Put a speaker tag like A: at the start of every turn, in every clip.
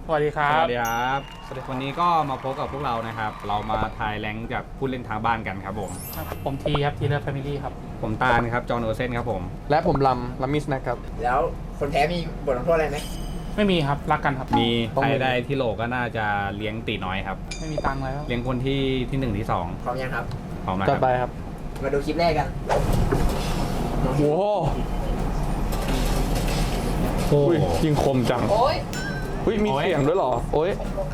A: สวัสดีครั
B: ส
A: บ
B: วัสดีครับวันนี้ก็มาพบกับพวกเรานะครับเรามาทายแรงจากผู้เล่นทางบ้านกันครับผม
A: ทีครับทีเลอร์แฟมิลี่ครับ
B: ผมตาลครับจอห์นโอเซนครับผม
C: และผมลัมมิสนะครับ
D: แล้วคนแพ้มีบทลงโทษอะไรไหม
A: ไม่มีครับรักกันครับ
B: มี
C: ต้อง
B: ใคร
C: มี
B: ได้ที่โหลก็น่าจะเลี้ยงตีน้อยครับ
A: ไม่มีตังค์แล้ว
B: เลี้ยงคนที่1ที่ 2
D: พร้อมยังครับ
B: พร้อมนะค
C: จัด
B: รับ
C: ไปครับ
D: มาดูคลิปแรกกัน
C: โอ้โห
B: โอ้
C: อุ้ยยิงคมจัง
D: โอ้ย
C: อุ้ยมีเสียงด้วยเหรอ โอ้ย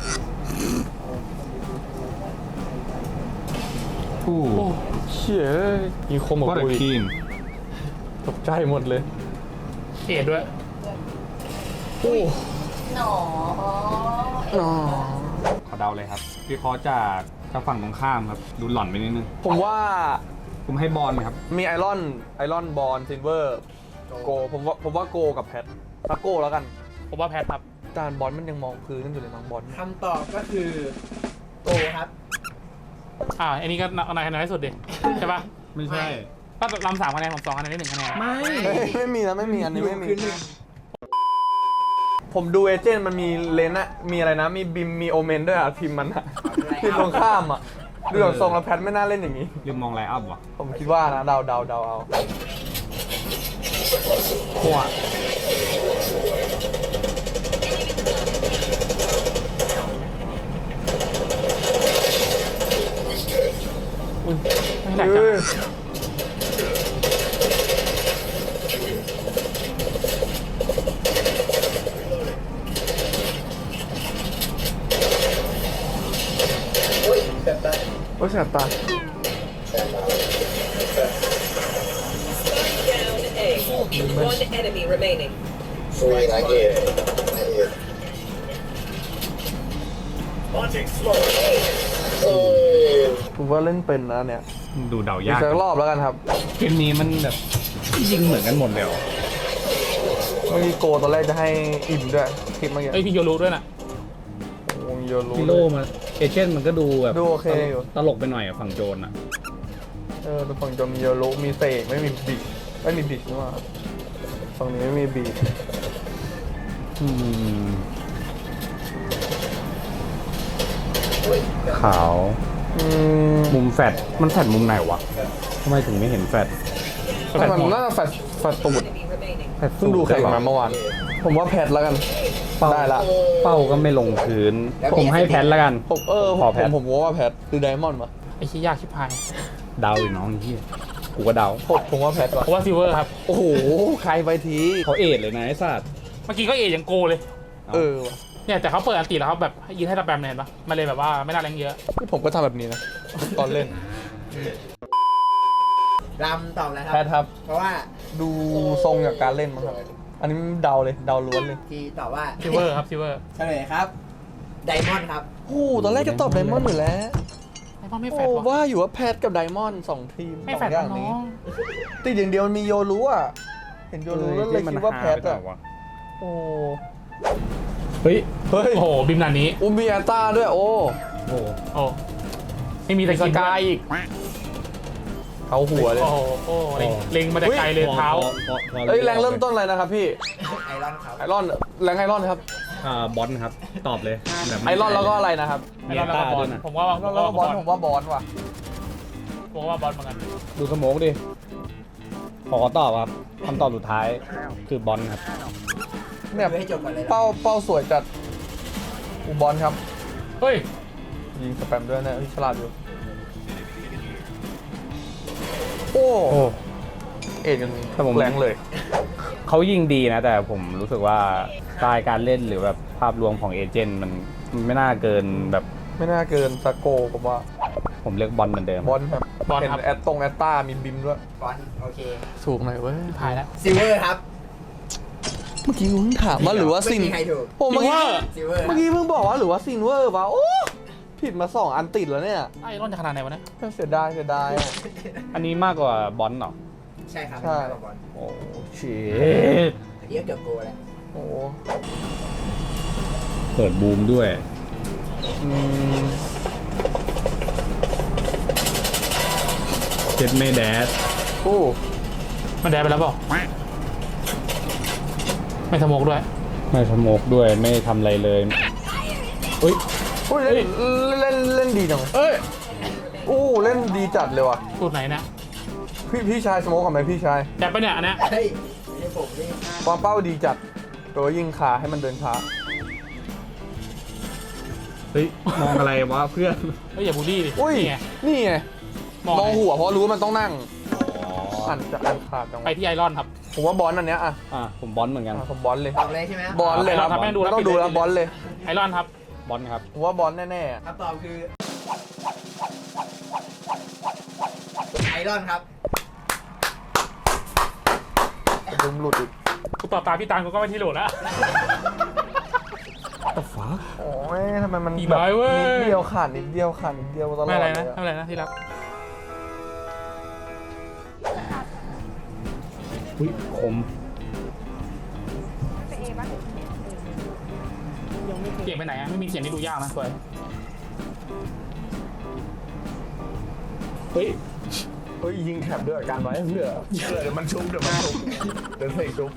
B: โอ้
C: โอ้เชี่ยยิงคมแบบ
B: ก็แต่
C: อุ้ย
B: ทีม
C: ตกใจหมดเลย
A: เอ็ดด้วย
C: โอ้
D: หนอ
C: นอ
B: ขอเดาเลยครับวิเคราะห์จากฝั่งตรงข้ามครับดูหล่อนไปนิดนึง
C: ผมว่า
B: ผมให้บอลครับ
C: มีไอรอนบอลซิลเวอร์โกผมว่าโกกับแพทถ้าโกแล้วกัน
A: ผมว่าแพทครับ
C: จานบอลมันยังมองพื้นกันอยู่เลยน้องบอล
D: คำตอบก็คือโกครับ
A: อันนี้ก็นายคะแนนที่สุดดิใช่ปะ
B: ไม่ใช่
A: ถ้าลำ3 คะแนนผม2 คะแนนได้1 คะแนน
C: ไม่มีนะไม่มีอันนี้ไม่มี ผมดูเอเจนต์มันมีเลนอะมีอะไรนะ มีบิมมีโอเมนด้วยอะทีมมันอะทีมตรงข้ามอะดูจากทรงแล้วแพทไม่น่าเล่นอย่างนี้
B: ลืมมองไลน์อัพว่ะ
C: ผมคิดว่านะเดาเอา
A: หัวไม่แหลกจัง
D: โอ้ยแบบนั้น
C: โอ้ยแสบตา
E: Down A. One enemy remaining.
F: Three, I get it.
E: Launching slow.
C: ผมว่าเล่นเป็นนะเนี่ย
B: ดูเดา
C: อีก
B: ยาก
C: สักรอบแล้วกันครับ
B: เกมนี้มันแบบยิงเหมือนกันหมดเลยเหรอ
C: เมื่อกี้โกตอนแรกจะให้อิ่มด้วยคลิปเมื่อกี้
A: เอ้ยพี่โยรู้ด้วยนะ
C: วงโยรู้
B: ฮิโร่มาเอเจนต์มันก็ดูแบบ
C: ดูโอเคอยู่
B: ตลกไปหน่อยอะฝั่งโจรอะ
C: ดูฝั่งจอมีโยรู้มีเสกไม่มีบิดไม่มีบิดนี่หว่าฝั่งนี้ไม่มีบิด
B: อืมขาว มุมแฟดมันแฟดมุมไหนวะทำไมถึงไม่เห็นแฟด
C: แต่มันน่าจะแฟดตูด
E: Enemy remaining.
B: แฟด
C: เพิ่งดูแข่งมาเมื่อวาน ผมว่าแพทแล้วกัน ได้ละ
B: เป้าก็ไม่ลงพื้น ผมให้แพทแล้วกัน
C: ผม
B: ขอแพท
C: ผมว่าแพทหรือไดมอนด์วะ
A: ไอ้ชี้ยากชิบหาย
B: เดาอีกน้องที่กูก็เดา
C: ผมว่าแพทวะ
A: ผมว่าซิลเวอร์ครับ
C: โอ้โหใครไปที
B: เขาเอดเลยนะไอ้สัตว์
A: เมื่อกี้ก็เอยังโกเลย
C: วะ
A: เนี่ยแต่เขาเปิดอันตีแล้วเขาแบบยืนให้สแปมเลยเห็นปะมันเลยแบบว่าไม่น่าแรงเยอะ
C: นี่ผมก็ทำแบบนี้นะ ตอนเล่น
D: รำตอบแล้วค
C: แพ
D: รั
C: ทครับ
D: เพราะว่า
C: ดูทรงจากการเล่นมั้งครับ อันนี้เดาเลยเดาล้วนเลย
D: ทีตอบว่า
A: ซิลเวอร์ครับซิลเวอร์
D: เฉลยครับไดมอนด์ครับ
C: โอ้โหตอนแรกจะตอบไดมอนด์อยู่แล้ว
A: ไอ้พ่อไม่แฟ
C: โอ้
A: ดวะ
C: ว่าอยู่ว่าแพทกับไดมอนด์สองทีม
A: ไม่แฟ
C: สอ
A: ด
C: งอย่าง
A: น้
C: นี้
A: อง
C: ติดอย่างเดียวมันมีโยรู้อ่ะ เห็นโยรู้แล้วเลยคิดว่าแพทอ่ะ โอ้
B: เฮ้ย
C: เฮ้ย
A: โอ้โหบิมนานี้
C: อุมีแอตตาด้วยโอ้
B: โอ้
A: โอ้ไม่มีตะ
C: ส
A: กิน
C: กายอีกเขาหัวเลย
A: โอ้โหโอ้เล็งมาแต่ไกลเลยเท้า
C: เอ้ยแรงเริ่มต้นอะไรนะครับพี่
D: ไอรอนครับ
C: ไอรอนแรงไอรอนครับ
B: บอลครับ ตอบเลยแบบ
C: ไอรอนแล้วก็อะไรนะครับ
A: ไอ้รอนแล้วก็บอลผมว่า
C: แล้วก็บอลผมว่าบอลว่ะ
A: ผมว่าบอลเหมือนกัน
B: ดูสโมกดิ ขอตอบครับคำตอบสุดท้ายคือบอลครับ
C: เนี่ย
D: ดูให้จบก่อนเลยนะ
C: เป้าสวยจัดอุบอลครับ
A: เฮ้ย
C: ยิงสแปมด้วยนะฉลาดอยู่ โอ้
B: โอ้
C: เอ็ดกัน
B: แต่ผม
C: แรงเลย
B: เขายิงดีนะ แต่ผมรู้สึกว่าสไตล์การเล่นหรือแบบภาพรวมของเอเจนต์มันไม่น่าเกินแบบ
C: ไม่น่าเกินสโกผมว่า
B: ผมเลือกบอลเหมือนเดิม
C: บอลครับ
A: บอล
C: เห็น
A: ครับ
C: แอตต้ามีบิมด้วย
D: บอลโอเค
C: ถูกหน่อยเว้ย
A: ถ่ายแล้ว
D: ซิลเวอร์ครับ
C: เมื่อกี้คุณถามว่าหรือว่าซิน
D: ไม่มีใครถูก
C: ผมเมื่อกี้
D: ซิลเวอร์
C: เมื่อกี้เพิ่งบอกว่าหรือว่าซินเวอร์ป่ะโอ้ผิดมา2 อันติดแล้วเนี่ย
A: ไอ้รอนจะขนาดไหนวะเนี่ย
C: เสียดายอะ
B: อันนี้มากกว่าบอลเหรอ
D: ใช่ครับ
C: ใช่
D: ไม่ใช่บอล
B: โอ้ชิต
D: อันนี้ก็เกือบโกแล้ว
C: โอ้
B: เปิดบูมด้วย
C: อืม
B: เจ็ดไม่แดด
C: โอ้
A: มันแดดไปแล้วเปล่าไม่สโมกด้วย
B: ไม่สโมกด้วยไม่ทำอะไรเลยอุ้ย
C: อุ้ยเล่นดีจัง
A: เอ้ย
C: โอ้เล่นดีจัดเลยว่ะ
A: สูตรไหนนะ
C: พี่ชายสโมกกับไหมพี่ชาย
A: แดบไปะเนี่ยอันเนี้ย
D: เฮ้ยไม่ใช่ผมนี่
C: ความเป้าดีจัดแต่ว่ายิงขาให้มันเดินช้า
B: เฮ้ยมองอะไรวะเพื่อน
A: เฮ้ยอย่าบูลลี่ดิ
C: อุ้ย
A: นี่ไง
C: นี่ไง
A: มอง
C: มอง
A: ไง
C: หัวเพราะรู้ว่ามันต้องนั่งอ่านจะอ่านขาดจัง
A: ไป
C: วะ
A: ที่ไอรอนครับ
C: ผมว่าบอลอันเนี้ยอ่ะ
B: ผมบอลเหมือนกัน
C: ผมบอลเลย
D: บอกเลยใช่ไหม
C: บอลเลยครับ
A: ครับแม่ดูแล้ว
C: ต้องดูแล้วบอลเลย
A: ไอรอนครับ
B: บอลครับ
C: ผมว่าบอลแน่ๆอะ
D: คำตอบคือไอรอนครับ
C: ดึงหลุดอีก
A: กูตอบตามพี่ตาลกูก็ไม่ที่โหลดแล้ว
C: โอ้ยทำไมมัน
A: อี
C: แบบ
A: ไม้เว้ย
C: นิดเดียวขาดนิดเดียวขาดนิดเดียวตลอด
A: ไม่อะไร
C: เล
A: นะ
C: ย
A: ไม่อะไรนะที่รัก
B: อุ้ยคม
A: เสียงไปไหนอะไม่มีเสียงนี่ดูยากนะสวย
B: เฮ้ย
C: เฮ้ยยิงแถบด้วยการไว้เพื่อเดี๋ยวมันชุบเดี๋ยวมันชุบเดี๋ยวเพลงชุบ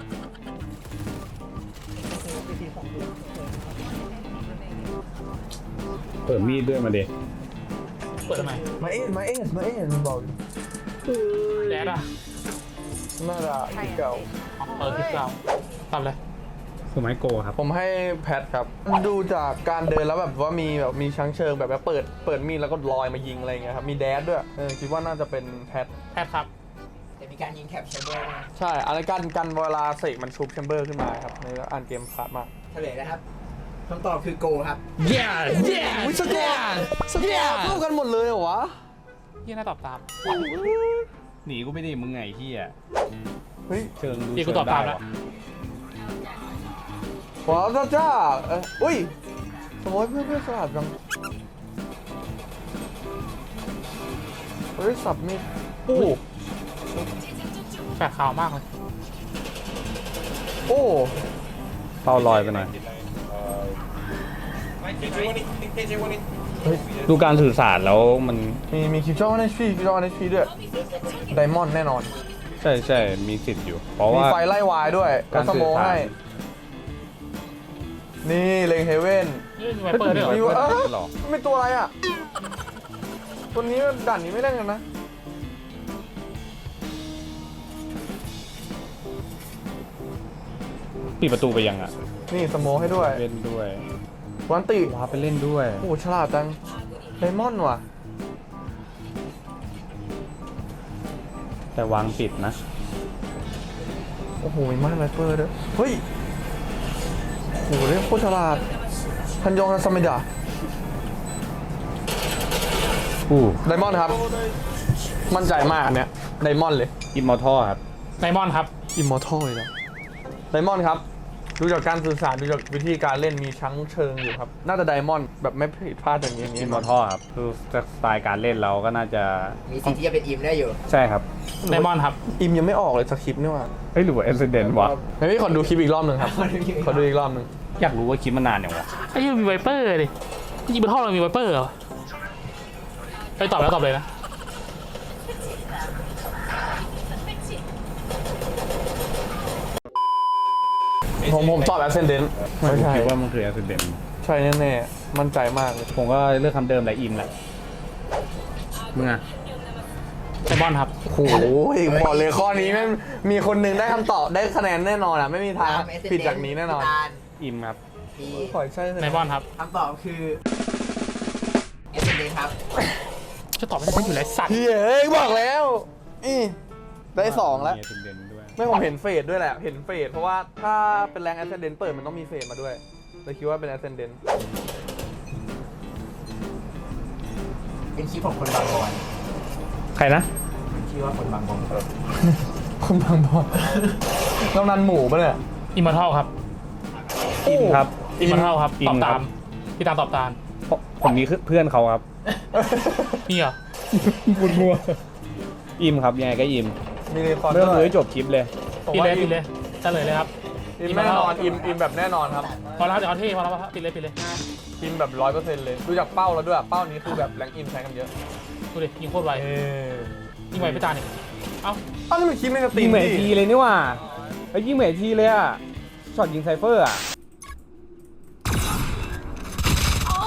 B: เปิดมีดด้วยมาเด็
A: เปิดทำไม
C: มาเอ็นมันบอก
A: แดดอะ
C: น่าจะที่เก่า
A: เปิดคลิปเก่าตอบเลย
B: คือไม้โกครับ
C: ผมให้แพทครับ ดูจากการเดินแล้วแบบว่ามีชั้งเชิงแบบว่าเปิดมีดแล้วก็ลอยมายิงอะไรอย่างเงี้ยครับมีแดดด้วยคิดว่าน่าจะเป็นแพท
A: แพทครับ
D: จะมีการยิงแคปแชมเบอร์นะ
C: ใช่อะไรกันเวลาเสกมันชุบแชมเบอร์ขึ้นมาครับในอ่านเกมขาดมาก
D: เฉลยนะครับคำตอบคือโกครับ
C: วิสกอร์เข้ากันหมดเลยเหรอวะ
A: ยี่น่าตอบตาม
B: หนีกูไม่ได้มึงไงที่อ่ะ
C: เฮ้ย
B: เชิงดู
A: พี่กูตอบตามแล้ว
C: ว้าวจ้าอุ้ยสมมติเพื่อนสลับจังเฮ้ยสับมีดโอ้
A: แปลกข่าวมากเลย
C: โอ้
B: เป้าลอยไปหน่อยดูการสื่อสารแล้วมัน
C: มีคิวจอในชีด้วยไดมอนด์แน่นอน
B: ใช่มีสิทธิ์อยู่ เพราะ
C: มี
B: ว่า
C: ไฟไล่วายด้วย
B: การ
C: ส
B: สื่
C: โม
B: อสาร
C: ให้นี่เลงเฮเว่น
A: นี่มีไวเปอร์ด้วยเหรอ
C: มี
B: เปิดหรอ
C: ไม่ตัวอะไรอ่ะ ตัวนี้ด่านนี้ไม่เล่นกันนะ
B: ปิดประตูไปยังอ่ะ
C: นี่สโมให้ด้วย
B: เล่นด้วย
C: วันติ
B: ว้าไปเล่นด้วย
C: โอ้ฉลาดจังไดมอนด์ว่ะ
B: แต่วางปิดนะ
C: โอ้โหมีมาร์คไลเปอร์ด้วยเฮ้ยโอ้โหเล่นโคตรฉลาดทันยองทันซามิดะ
B: อู้
C: ไดมอนด์ครับ มั่นใจมากอันเนี้ยไดมอนด์เลย
B: อิมมอร์ทัลครับ
A: ไดมอนด์ครับ
C: อิมมอร์ทัลเลยนะไดมอนด์ครับดูจากการสื่อสารดูจากวิธีการเล่นมีชั้งเชิงอยู่ครับ น่าจะไดมอนด์แบบไม่ผิดพลาดอย่างนี้
B: อิมมอร์ทัลครับคือสไตล์การเล่นเราก็น่าจะ
D: มีสิทธิ์ที่จะเป็นอิมได้อยู่
B: ใช่ครับ
A: ไดมอนด์ครับ
C: อิมยังไม่ออกเลยสคริปต์นี่ว่า
B: เฮ้ยหรือว่าเอสเดนวะ
C: เฮ้ยขอดูคลิปอีกรอบหนึ่งครับ ขอดูอีกรอบหนึ่ง
B: อยากรู้ว่าคลิปมันนานอย่างวะ
A: ไอ้ยี่มีไวเปอร์ดิยิงบนท่อเรามีไวเปอร์เหรอไปตอบแล้วตอบเลยนะ
C: ผมตอบแอสเซนเดนต์
B: ผม
C: ไม่ใช่
B: คิดว่ามันคือเอสเดน
C: ใช่แน่ๆมั่นใจมากเลย
B: ผมก็เลือกคำเดิมแหละอิมแหละมึงอ่ะ
A: ไดมอนด์ครับ
C: โอ้โหบอกเลยข้อนี้แม่งมีคนหนึ่งได้คำตอบได้คะแนนแน่นอนอ่ะไม่มีทางผิดจากนี้แน่นอน
D: ตาล
B: อิมครับ
D: พี
C: ขอใช่เลย
A: ไดมอนด์ครับ
D: คำตอบคือเอสเดนครับ
A: จะตอบไม่ได้อยู่แล้วสัตว์
C: เฮ้ยบอกแล้วได้สองแล้ว
B: มีเอสเดนด้วย
C: ไม่ผมเห็นเฟสด้วยแหละ เห็นเฟสเพราะว่าถ้าเป็นแรงแอสเซนเดนต์เปิดมันต้องมีเฟสมาด้วยเลยคิดว่าเป็นแอสเซนเดนต์
D: เป็นคลิปของคนบางบอน
B: ใครนะ
D: ชื่อว่าคนบางบอน
C: คุณบางบอลน้องนันหมูปะเนี่ย
A: อิมมอร์ทัลครับ
B: อิมครับ
A: อิมมอร์ทัลครับ
B: อิม
A: ตอบ
B: ครั
A: ตาม
B: บ
A: พี่ตามตอบตาม
B: เพราะผมมีเพื่อนเขาครับ
A: นี่เหรอ
B: พูดมัวอิมครับยังไงก็อิม
C: มีรีคอร์ด
B: ไม่ต้อง
C: ด้
B: ดู
C: วย
B: ให้จบคลิปเลย
C: ผม
A: ปิด
C: ว่า
A: เลย
C: อิ
A: ปิ
C: ม
A: ดเลยเฉลยเลยครับ
C: อิมแน่นอนอิมแบบแน่นอนครับ
A: พอแล้วเดี๋ยวเอาเท่พอแล้วปิดเลยปิดเลย
C: อิมแบบ100%เลยดูจากเป้าแล้วด้วยเป้านี้คือแบบแรงอิมใช้กันเยอะ
A: ดูดิยิงโคตรไวยิงไวพี่ตาลนี่เอ้า
C: อ้าวนี่มันคิดไม่กระตี
B: ยิง
C: น
B: เหมือน
C: ดิ
B: ทีเลยนี่หว่าไอ้ยิงเหมือนทีเลยอ่ะช็อตยิงไซเฟอร์อ่ะ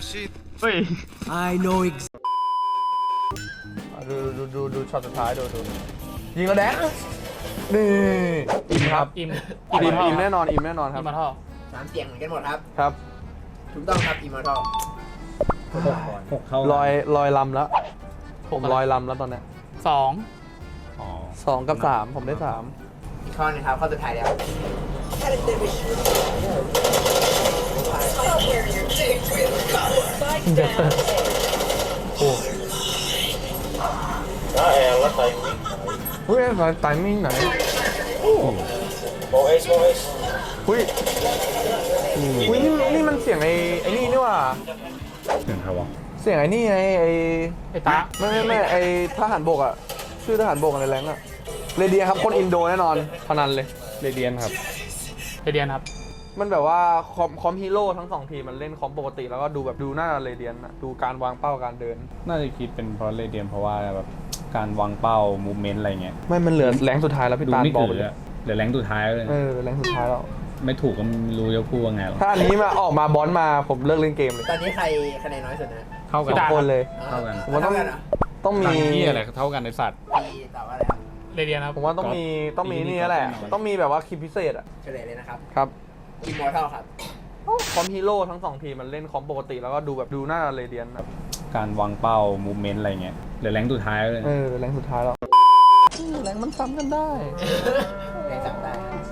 B: เฮ้ย
C: ดูช็อตสุดท้ายดูยิงแล้วแดนนี่อิมครับ
A: อิม
C: อิมแน่นอนอิมแน่นอนค
A: อิ
C: รับ
A: มมาท่อ
D: 3 เสียงเหมือนกันหมดครับ
C: ครับ
D: ถูกต้องครับ Immortal
B: หกเท่า
C: ลอยลำแล้ว ผมลอยลำแล้วตอนเนี้ย
A: 2
B: อ๋อ
C: 2 กับ 3 ผมได้ 3
D: อีกข้อหนึงครับ ข้อสุดท้ายแล้ว
F: Đó em nó tay miếng.
C: เฮ้ยไตมิ่งไหน
F: Bộ S, bộ S.
C: อุ้ยนี่มันเสียงไอ้นี่นี่ว่า
B: เสียงใครวะ
C: เสียงไอ้นี่ไงไอ้
A: ไอ้ตา
C: ไม่ไอ้ทหารบกอ่ะ ชื่อทหารบกอะไรแรงอ่ะเรเดียครับคนอินโดแน่นอนพนันเลย
B: เรเดียนครับ
A: เรเดียนครับ
C: มันแบบว่าคอมฮีโร่ทั้ง2 ทีมมันเล่นคอมปกติแล้วก็ดูแบบดูหน้าเรเดียนอะดูการวางเป้าการเดิน
B: น่าจะคิดเป็นเพราะเรเดียนเพราะว่าแบบการวางเป้ามูฟเมนต์อะไรเงี้ย
C: ไม่มันเหลือแรงสุดท้ายแล้วพี่
B: ดู
C: ตาล
B: ไม่
C: บอก
B: ถื
C: ไป
B: อ
C: เลย
B: อะเหลือแรงสุดท้ายเลย
C: แรงสุดท้ายแล้ว
B: ไม่ถูกก็ไม่รู้จะพูดว่าไงหรอก
C: ถ้าอันนี้มาออกมาบอลมาผมเลิกเล่นเกมเลย
D: ตอนนี้ใครคะแนนน้อยสุดนะ
B: เท่ากัน
A: พี่ตา
C: คนเลย
B: เท่ากัน
C: ผมว่าต้อง
D: เท่ากันเหรอ
C: ต้องมี
B: ตังค์ที่อะไรเท่ากันในสัตว์
D: พี่ตอบว่าอะไรครับ
A: เรเดียนครับ
C: ผมว่าต้องมีนี่แหละ ต้องมีแบบว่าคลิปพิเศษอะ
D: เฉลยเลยนะครับ
C: ครับ
D: Immortal ครับ
C: คอมฮีโร่ทั้ง2 ทีมมันเล่นคอมปกติแล้วก็ดูแบบดูหน้าเรเดียนแบบ
B: การวางเป้ามูฟเมนต์อะไรเงี้ยเหลือแรงสุดท้ายเลย
C: แรงสุดท้ายแล้วแรงมันซ้ำกันได้
D: แรงจับได้ครับ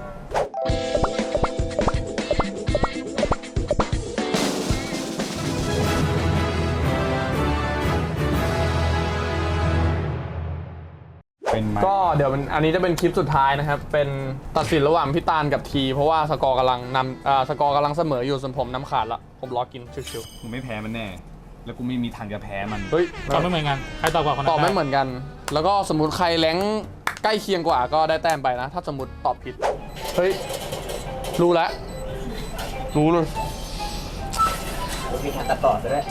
B: เป็นไหม
C: ก็เดี๋ยวอันนี้จะเป็นคลิปสุดท้ายนะครับ เป็นตัดสินระหว่างพี่ตาลกับที เพราะว่าสกอร์กำลังเสมออยู่ส่วนผมน้ำขาดละผมรอกินชิว
B: กูไม่แพ้มันแน่ แล้วกูไม่มีทางจะแพ้มัน
C: ๆเฮ้ย
A: ตอบไม่เหมือนกัน ใครตอบก่อนคนนั้น
C: ตอบไม่
A: ด้
C: เหมือนกัน แล้วก็สมมติใครแรงใกล้เคียงกว่าก็ได้แต้มไปนะ ถ้าสมมติตอบผิด เฮ้ย รู้แล้ว รู้เลย
D: มีการตัดต่อซะด้วย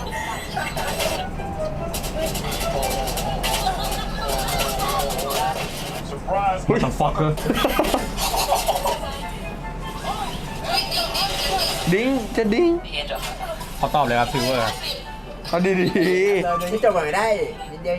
B: What the fuck
C: ดิ้งจะดิ้ง
B: เขาตอบเลยครับซิลเวอร์ครับ
C: เอาดี
D: เราเดินที่จบก่อนไม่ได้นิดเดียว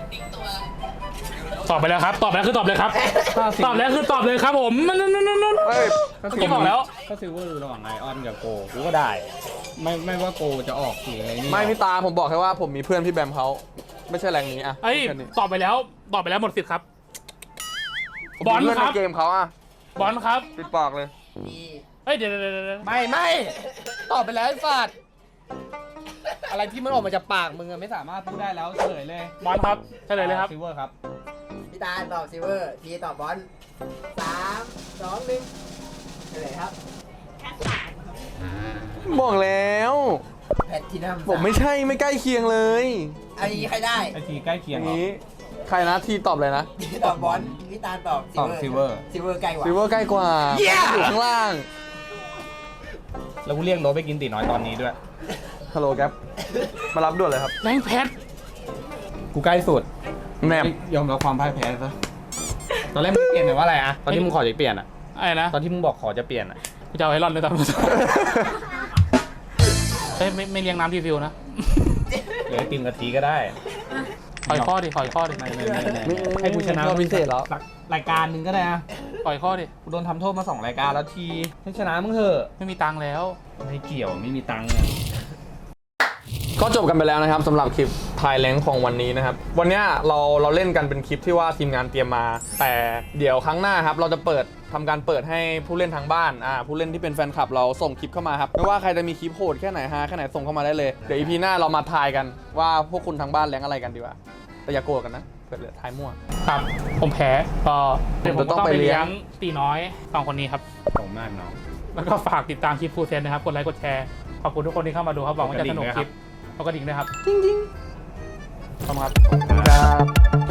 A: ตอบไปแล้วครับ ตอบแล้วคือตอบเลยครับ ตอบแล้วคือตอบเลยครับผมนั่น
C: ๆเฮ้ย
A: เมื่อกี้บอกแล้ว
B: ก็ซิลเวอร์ระหว่างไอออนกับโกกูก็ได้ ไม่ว่าโกจะออกหรืออะไรนี่
C: ไม่พี่ตาผมบอกแค่ว่าผมมีเพื่อนพี่แบมเขาไม่ใช่แรงนี้อะ
A: เอ้ย
C: แค่นี้
A: ตอบไปแล้ว ตอบไปแล้วหมดสิทธิ์ครับ
C: ผม
A: บอล
C: มีเพื่อน
A: ค
C: ใน
A: รับ
C: เกมเขาอะ
A: บอลครับ
C: ปิดปากเลย
D: มี
A: เฮ้ยเดี๋ยว
G: ไม่ตอบไปแล้วไอ้สัตว์อะไรที่มันออกมาจากปากมึงอะไม่สามารถพูดได้แล้วเฉลยเลย
A: บอลครับเฉลยเลยครับ
B: ซิลเวอร์ครับ
D: พี่ตาลตอบซิลเวอร์ ทีตอบบอล3 2 1เฉลยครับ
C: บอกแล้ว
D: แพททินัม
C: ผมไม่ใช่ไม่ใกล้เคียงเลย
D: อันนี้ใครได้
B: ไอทีใกล้เคี
C: อย
B: ง
C: ย่าง
B: เหรอ
C: นี้ใครนะที่ตอบเลยนะ
D: พี่ตอบบอลพี่ตาลตอบ
B: ตอบ Silver
D: ซิลเวอร์ใกล้กว่า
C: ซิลเวอร์ใกล้กว่าอยู่ข้างล่าง
B: แล้วกูเรียกโน้ตไปกินตีน้อยตอนนี้ด้วย
C: ฮัลโหลแก๊ปมารับด่วนเลยครับ
A: แรงเพชร
B: กูใกล้สุด
C: แนบ
B: ยอมรับความพ่ายแพ้ซะ ตอนแรกมึงเปลี่ยนหรือว่าอะไรอะตอนที่มึงขอจะเปลี่ยนอะ
A: อะไรนะ
B: ตอนที่มึงบอกขอจะเปลี่ยนอะ
A: กูจะเอาไอรอนเลยตอนนี้เฮ้ยไม่เลี้ยงน้ำรีฟิลนะ
B: หรือไอติมกะทิก็ได้
A: ขอยข้อดิขอยข้อดิ
B: ไม่ให้กูชนะ
C: รอบพิเศษแล้ว
B: รายการหนึ่งก็ได้นะ
A: ขอยข้อดิ
B: กูโดนทำโทษมา2 รายการแล้วทีให้ชนะมึงเถอะ
A: ไม่มีตังค์แล้ว
B: ไม่เกี่ยวไม่มีตังค์อะ
C: ก็จบกันไปแล้วนะครับสำหรับคลิปทายแรงของวันนี้นะครับ วันเนี้ยเราเล่นกันเป็นคลิปที่ว่าทีมงานเตรียมมา แต่เดี๋ยวครั้งหน้าครับเราจะทำการเปิดให้ผู้เล่นทางบ้านผู้เล่นที่เป็นแฟนคลับเราส่งคลิปเข้ามาครับไม่ว่าใครจะมีคลิปโหดแค่ไหนฮาแค่ไหนส่งเข้ามาได้เลยเดี๋ยวอีพีหน้าเรามาทายกันว่าพวกคุณทางบ้านแรงอะไรกันดีกว่าแต่อย่าโกรธกันนะเกิดเหลือทายมั่ว
A: ครับ ผมแพ้ก็เดี๋ยวผม
C: จะต้
A: ต้
C: อ
A: อง ง
C: ไป
A: ไป
C: เลี้
A: เลี้
C: ย
A: ย
C: ง
A: งตีน้อย2 คนนี้ครับ
B: ขอบคุณมากน้อง
A: แล้วก็ฝากติดตามคลิปฟูเซนนะครับ กดไลค์กดแชร์ ขอบคุณทุกคนที่เข้ามาดูครับ หวังว่าจะสนุกคลิปแล้วก็ดิ่งด้วยครับ จริงๆขอบคุณครับ
C: ครับ